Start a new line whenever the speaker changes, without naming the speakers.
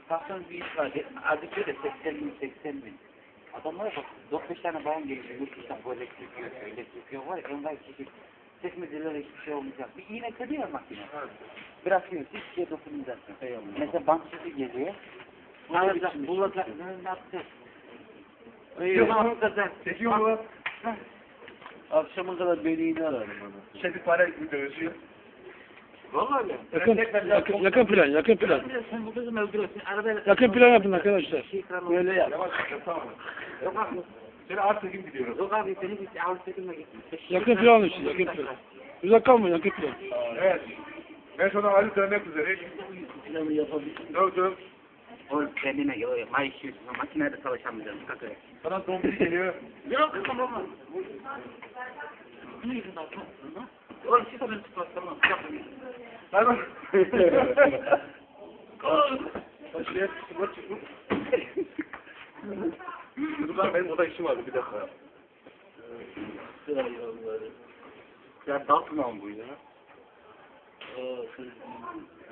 Kalktığınız bir iş var. Azıcık diyor da 80.000. Adamlara bak 4-5 tane bayan geliyor. Yurt dışından bu elektrik yok, elektrik yok var ya. Envai çeşit. Çekmeceler hiçbir şey olmayacak. Bir iğne kırıyor makine. Bırakıyor. Hiçbir şeye dokunmayacaksın. Mesela banksızı geliyor. Bulacak. Ne yapacak?
Çekiyor mu?
Akşama kadar beni yine ararım onu.
Şefi para dövüşüyor.
Vallahi mi?
Yakın plan.
Sen bu kızı öldürüyorsun. Arabaya...
Yakın plan yapın arkadaşlar.
Böyle yap.
Yavaş tamam.
Yok abi.
Seni Artekin gidiyoruz.
Yok abi seni git. Avrupa çekimle git.
Yakın plan işte, yakın plan. Uzak kalmayın, yakın plan.
Evet. Ben sonra Ali dönmek üzere.
Planı yapabilir.
Dur.
Oğlum kendine yok. Mayışıyorsun. Makinede çalışamayacağım. Kalk öyle.
Sana zombi geliyor.
Yok tamam. Ne yüzünden kalktın lan? Oğlum siz de beni tutmaz tamam.
Tamam. Şuraya sıfır çıkmış. Dur lan benim oda işim vardı bir dakika.
Ya dağıtma bu ya.